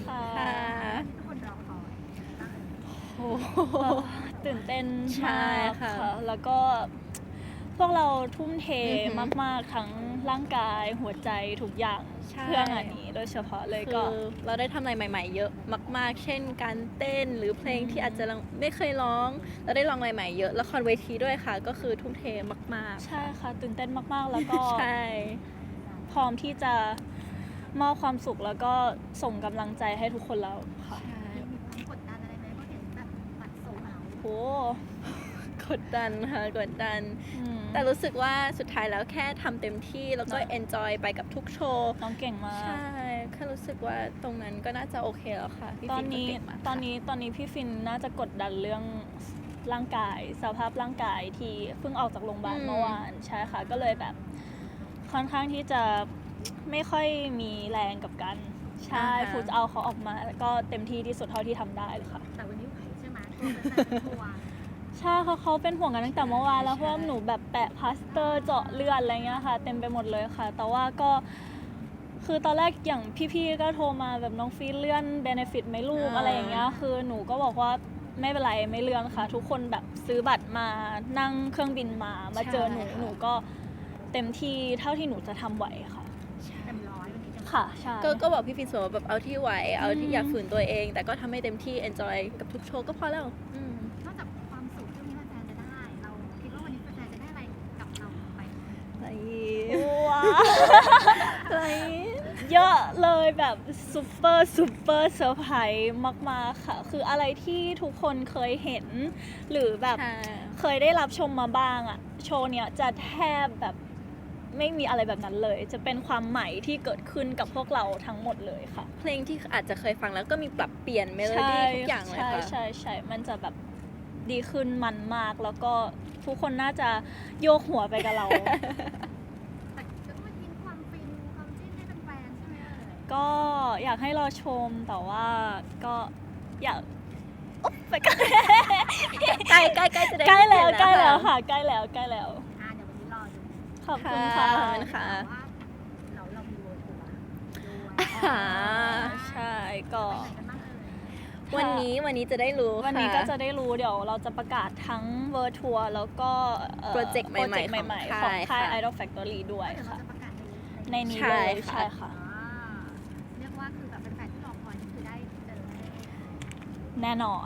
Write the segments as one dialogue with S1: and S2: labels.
S1: ค่ะ
S2: ทุกคนรอคอย
S1: โอ้โหตื่นเต้น
S3: ใช่
S1: มาก
S3: ค่ะ
S1: ค่ะ แล้วก็พวกเราทุ่มเท
S3: อือหือ
S1: มากๆทั้งร่างกายหัวใจทุกอย่าง
S3: ใช่
S1: เพื่องานนี้โดยเฉพาะเลย
S3: คื
S1: ก็
S3: อเราได้ทำอะไรใหม่ๆ เยอะมากๆ เช่นการเต้นหรือเพลงที่อาจจะไม่เคยร้องเราได้ลองอะไรใหม่เยอะละครเวทีด้วยค่ะ ก็คือทุ่มเทมากๆ
S1: ใช่ค่ะ ตื่นเต้นมากๆ แล้วก็
S3: ใช่
S1: พร้อมที่จะมอบความสุขแล้วก็ส่งกำลังใจให้ทุกคนแล้วค่ะ
S2: มีความกดดันอะไรไหมเพราะเห็นแบบบัตรโซลด์เอาท์
S1: โห
S3: กดดันค่ะกดดัน
S1: อืม
S3: แต่รู้สึกว่าสุดท้ายแล้วแค่ทำเต็มที่แล้วก็
S1: เนอะ
S3: enjoy ไปกับทุกโชว์
S1: น้องเก่งมาก
S3: ใช่แค่รู้สึกว่าตรงนั้นก็น่าจะโอเคแล้วค่ะพี่
S1: ตอน
S3: ฟิล์มก็
S1: นี้
S3: เก่งมาก
S1: ตอน
S3: ค่ะ
S1: นี้ตอนนี้พี่ฟินน่าจะกดดันเรื่องร่างกายสภาพร่างกายที่เพิ่งออกจากโรงพยาบาลเมื่อวานใช่ค่ะ ก็เลยแบบค่อนข้างที่จะไม่ค่อยมีแรงกับกันใช่ฟูจะเอาเขาออกมาแล้วก็เต็มที่ที่สุดเท่าที่ทำได้เลยค่ะ
S2: แต่วันนี้ไหวใช่ไหมตัวเป็นตัว
S1: ใช่เขาเป็นห่วงกันตั้งแต่เมื่อวานแล้ว
S3: ใช่
S1: เพราะว่าหนูแบบแปะพลาสเตอร์เจาะเลือดอะไรเงี้ยค่ะ เต็มไปหมดเลยค่ะ แต่ว่าก็คือตอนแรกอย่างพี่ๆก็โทรมาแบบน้องฟีเลื่อนเบเนฟิตไหมลูกอะไรอย่างเงี้ยคือหนูก็บอกว่าไม่เป็นไรไม่เลื่อนค่ะ ทุกคนแบบซื้อบัตรมานั่งเครื่องบินมาเจอหนูก็เต็มที่เท่าที่หนูจะทำไหวค่ะ
S2: เต็มร้อยวันนี้เต็มร้อย
S1: ค่ะใช่
S3: ก็บอกพี่ฟิล์มเสมอว่าแบบเอาที่ไหวเอาที่
S1: อืม
S3: อยากฝืนตัวเอง แต่ก็ทำให้เต็มที่ enjoy กับทุกโชว์ก็พอแล้ว
S2: นอกจากความสุขที่วันนี้แฟนๆจะได้ เราคิดว่าวันนี้แฟนๆจะได้อะไรกับเราไป
S3: อะไร
S1: ว้าว
S3: อะไร
S1: เยอะเลยแบบซูเปอร์เซอร์ไพรส์มากๆค่ะ คืออะไรที่ทุกคนเคยเห็น หรือแบบ
S3: ใช่
S1: เคยได้รับชมมาบ้างอะโชว์เนี้ยจะแทบแบบไม่มีอะไรแบบนั้นเลย จะเป็นความใหม่ที่เกิดขึ้นกับพวกเราทั้งหมดเลยค่ะ
S3: เพลงที่อาจจะเคยฟังแล้วก็มีปรับเปลี่ยนเมโลดี้ทุกอย่างเลยค่ะ
S1: ใช่มันจะแบบดีขึ้นมันมาก แล้วก็ทุกคนน่าจะโยกหัวไปกับเรา
S2: แต่ก็ต้องมาทิ้งความฟินความจิ้นให้แฟนๆใช่ไหมเอ่ย
S1: ก็อยากให้รอชมแต่ว่าก็อยากอุ๊บไปกัน
S3: ใกล้จะได้
S1: ใกล้แล้ว
S3: เห็น
S1: ใกล้แล้ว
S3: ค่ะ
S1: ค่ะใกล้แล้ว
S2: เดี๋ยววันนี้รอดู
S1: ขอบคุณค่ะ
S3: ขอบคุณค่ะ
S2: แต่ว่าเรามีเวิร์ทัวร์ด้วย
S3: อ่า
S1: ใช่ก็
S2: ไปไหนกันบ้างเอ่ย
S3: วันนี้จะได้รู้
S1: วันนี้
S3: ค่
S1: ก็จะได้รู้เดี๋ยวเราจะประกาศทั้งเวอร์ทัวร์แล้วก็
S3: โปรเจกต์ใหม่ๆ
S1: โปรเจกต์ใหม่ๆ
S3: ข
S1: ข
S3: อ
S1: อง ง
S3: ค่า
S1: ค่าย ย Idol Factory ด้วย
S2: เดี๋ยวเรา
S1: ค่ะ
S2: จะประกาศ
S1: ในนี้
S3: ใช่
S1: เลย
S3: ค่ะ
S1: ใช่ค่ะ
S2: เรียกว่าคือแบบเป็นแฟนที่รอคอยนี่คือได้เจอ
S1: แน่นอน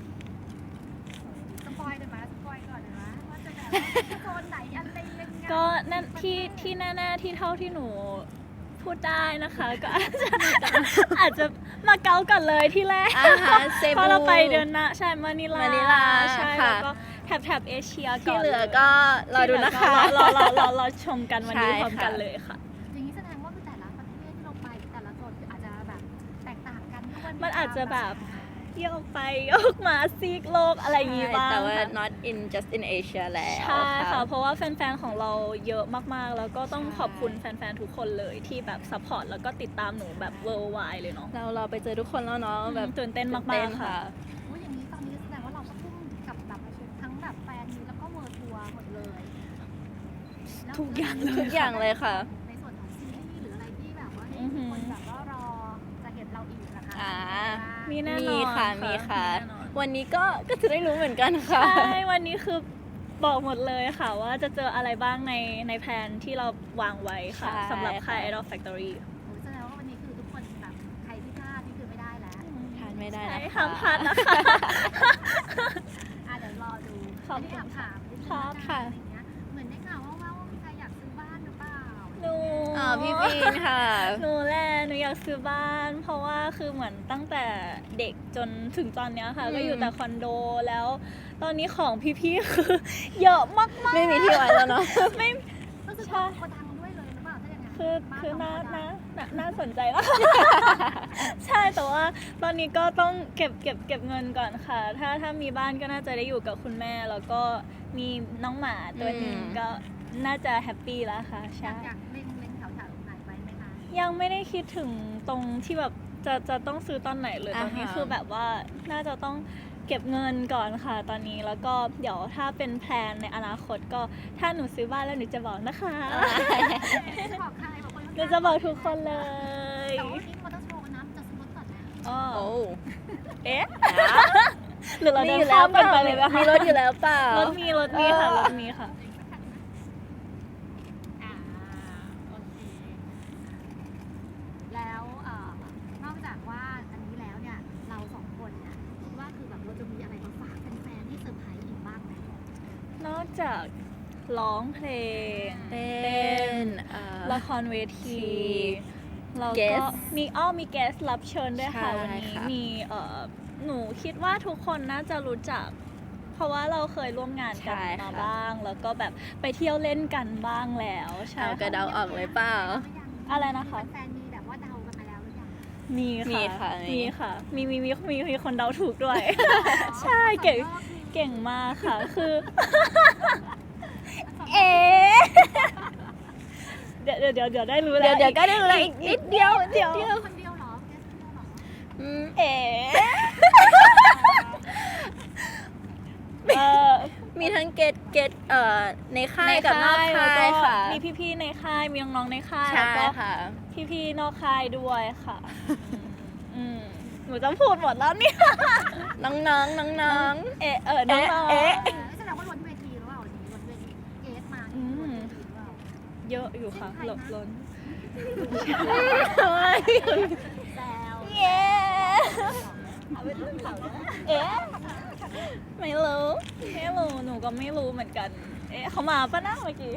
S2: สปอยเลยไหมสปอยก่อนเลยไหมว่าจะแบบโซนไหนอะไรยังไง
S1: ก็นั่นที่แน่ๆที่เท่าที่หนูพูดได้นะคะ ก็อาจจะมาเก๊ากันเลยที่แรก
S3: อ่าฮะเซ
S1: เพ
S3: บู
S1: ราะเราไปเดือนหน้าใช่มานิลา
S3: มานิลา
S1: ใช่
S3: ค่ะ
S1: แล้วก็แถบเอเชียก่
S3: ที่
S1: อน
S3: เหลือก็รอดูนะคะ
S1: รอชมกันวันนี้
S3: ใช่
S1: พร้อมกัน
S3: ค่ะ
S1: เลยค่ะ
S2: อย่างนี้แสดงว่าคือแต่ละประเทศที่เราไปแต่ละโซนคืออาจจะแบบแตกต่างกันด้วย
S1: มันอาจจะแบบโยกไปโยกมาซีกโลกอะไรอย่างงี้บ้าง
S3: แต่ว่า
S1: ค่ะ
S3: not in just in Asia แล้ว
S1: ใช่ค่ะ เพราะว่าแฟนๆ ของเราเยอะมากๆ แล้วก็ต้องขอบคุณแฟนๆ ทุกคนเลยที่แบบซัพพอร์ตแล้วก็ติดตามหนูแบบ worldwide เลยเนาะ
S3: เราไปเจอทุกคนแล้วเนาะแบบ
S1: ตื่นเต้นมากๆค่ะ
S2: โอ้ยอย่างนี้ตอนนี้แสดงว่าเราก็ทุ่มกับแบบทั้งแบบแฟนมีแล้วก็เวอร์ทัวร์หมดเลยแล้ว
S1: ทุกอย่างเลย
S3: ทุกอย่างเลยค่ะ
S2: ในส่วนของซีรีส์หรืออะไรที่แบบว่าให้
S1: อือหือ
S2: คนแบบว่ารอจะเห็นเราอีกนะคะ
S3: อ่า
S1: มีแน่นอน
S3: มีค่ะ
S1: ค่ะ
S3: มีค่ะ
S1: แน่นอน
S3: วันนี้ก็จะได้รู้เหมือนกันค่ะ
S1: ใช่ วันนี้คือบอกหมดเลยค่ะ ว่าจะเจออะไรบ้างในแผนที่เราวางไว้ค่ะ
S3: ใช่
S1: สำหรับค่าย
S3: ค่ะ
S1: Idol Factory
S2: โอ้ยแสดงว่าวันนี้คือทุกคนแบบใครที่พลาดนี่คือไม่ได้แล้ว
S3: ทานไม่ได้
S1: ใช่
S3: นะคะ
S1: ห้ามพลาดนะคะ
S2: เดี๋ยวรอดู
S1: ขอบคุณ
S2: ที่ถามนิดนึง
S1: ครับ
S2: ค่ะอะไรเงี้ยเหมือนได้ข่าวว่ามีใครอยากซื้อบ้านหรือเปล่า
S1: หนู
S3: อ๋อพี่บีนค่ะ
S1: หนูแหละหนูอยากซื้อบ้าน เพราะว่าคือเหมือนตั้งแต่เด็กจนถึงตอนเนี้ยค่ะ
S3: อืม
S1: ก็อยู่แต่คอนโดแล้ว ตอนนี้ของพี่ๆ คือเยอะมาก
S3: ไม่มีที่ไว้แล้วเนาะ
S1: ๆ ไม่
S2: ก็คือโกดังด้วยเลยหรือเปล่าถ้าอย่างนั้น
S1: คือ
S2: บ้ขงโกดัง
S1: น่าสนใจแล้ว ใช่แต่ว่าตอนนี้ก็ต้องเก็บเงินก่อนค่ะ ถ้ามีบ้านก็น่าจะได้อยู่กับคุณแม่ แล้วก็มีน้องหมาตัวหนึง
S3: อืม
S1: ก็น่าจะแฮปปี้แล้วค่ะ
S2: อ
S1: ใช่
S2: ยากเล็งแถวไหนไว้ไหมคะ
S1: ยังไม่ได้คิดถึงตรงที่แบบจะต้องซื้อตอนไหนเลย
S3: อ่าฮะ
S1: ตอนนี้คือแบบว่าน่าจะต้องเก็บเงินก่อนค่ะตอนนี้แล้วก็เดี๋ยวถ้าเป็นแพลนในอนาคตก็ถ้าหนูซื้อบ้านแล้วหนูจะบอกนะคะ
S2: จะบอกใครบอกคน
S1: หนูจะบอกทุกคนเลย
S2: แต่ว่าวันนี้มอเตอร์โชว์น้ำจะซื้อรถก่อนนะ
S1: อ๋อเอ๊ะ หรือเรา
S3: มี
S1: เดิ
S3: อน ยู่แล้
S1: ข้าว ม
S3: เป
S1: กัน
S3: ล่า
S1: ไปเลยไหมคะ
S3: มีรถอยู่แล้วเปล่าร
S1: ถมีค่ะรถมีค่ะ
S2: อ่าโอเคแล้วนอกจากว่าอันนี้แล้วเนี่ยเราสองคนเนี่ยคิดว่าคือแบบเราจะมีอะไรมาฝากแฟนๆที่เซอร์ไพรส์อีกบ้างไหม
S1: นอกจากร้องเพลง
S3: เต้น
S1: ละครเวทีเราก็
S3: Guest
S1: มีแกสรับเชิญด้วยค่ะ
S3: ใช่
S1: วันนี้
S3: ค่ะ
S1: มีหนูคิดว่าทุกคนน่าจะรู้จัก เพราะว่าเราเคยร่วมงานกันมาบ้าง แล้วก็แบบไปเที่ยวเล่นกันบ้างแล้วใช่
S3: เอากระ
S1: ค่ะ
S3: เดาออกเลยเปล่า
S1: อะไรนะคะ
S2: แฟนๆมีแบบว่าเดากันมาแล้วหรือยัง
S1: มี
S3: มี
S1: ค่ะ
S3: ค่ะ
S1: มีค่ะ มีคนเดาถูกด้วย ใช่เก่งมากค่ะ คือ เอ๊ะเดี๋ยวได้รู้แล้ว
S3: เดี๋ยวก็ได้เลยอีกนิดเดียว
S1: เดี๋ยว
S2: คนเดียวเหรอแค่คนเดียวเหรอ
S1: เอ๋เออ
S3: มีทั้งเกตในค่ายกับนอกค่ายค่ะ
S1: มีพี่ๆในค่าย มีน้องๆในค่าย
S3: ใช่
S1: แล้วก็
S3: ค่ะ
S1: พี่ๆนอกค่ายด้วยค่ะหนูจะพูดหมดแล้วเนี่ย
S3: น้องๆน้อง
S1: เอ๊ะน้องๆ
S3: เอ๊ะ
S2: แสดงว่าล้นเวทีหรือเปล่าวันนี้ล้นเวทีเกสมา
S1: อืม
S2: ล้นเวทีหรือเปล่า
S1: เยอะอยู่ค่ะหลบล้น
S2: แซว
S1: เย้เอ๊ะไม่รู้หนูก็ไม่รู้เหมือนกัน เอ๊ะเขามาปะนะเมื่อกี้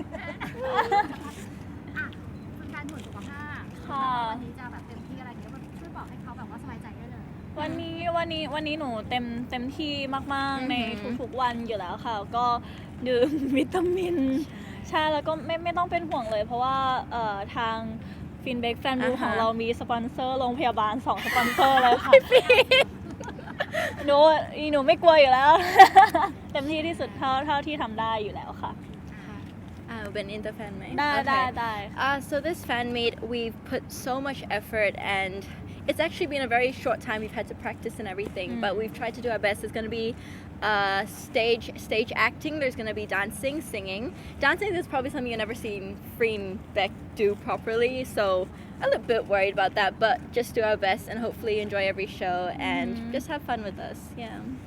S2: อ่ะคุณการตรวจสุขภาพ
S1: ค่ะ
S2: วันนี้จะแบบเต็มที่อะไรเงี้ยช่วยบอกให้เขาแบบว่าสบายใจได้เลย
S1: วันนี้หนูเต็มที่มากๆใน
S3: อือหือ
S1: ทุกๆวันอยู่แล้วค่ะ ก็ดื่มวิตามิน ใช่แล้วก็ไม่ต้องเป็นห่วงเลย เพราะว่าทางฟินเบกแฟนบูของเรามีสปอนเซอร์โรงพยาบาล2 สปอนเซอร์เลยค่ะหนูไม่กลัวอยู่แล้ว เต็มที่ที่สุดเท่าที่ทำได้อยู่แล้วค่ะ
S3: เป็นอินเตอร์แฟนไหม
S1: ได้
S3: Okay. So this fan meet, we've put so much effort and it's actually been a very short time. We've had to practice and everything, but we've tried to do our best. There's going to be stage acting. There's going to be dancing, singing. Dancing is probably something you've never seen Freen Beck do properly, so a little bit worried about that. But just do our best and hopefully enjoy every show and just have fun with us. Yeah.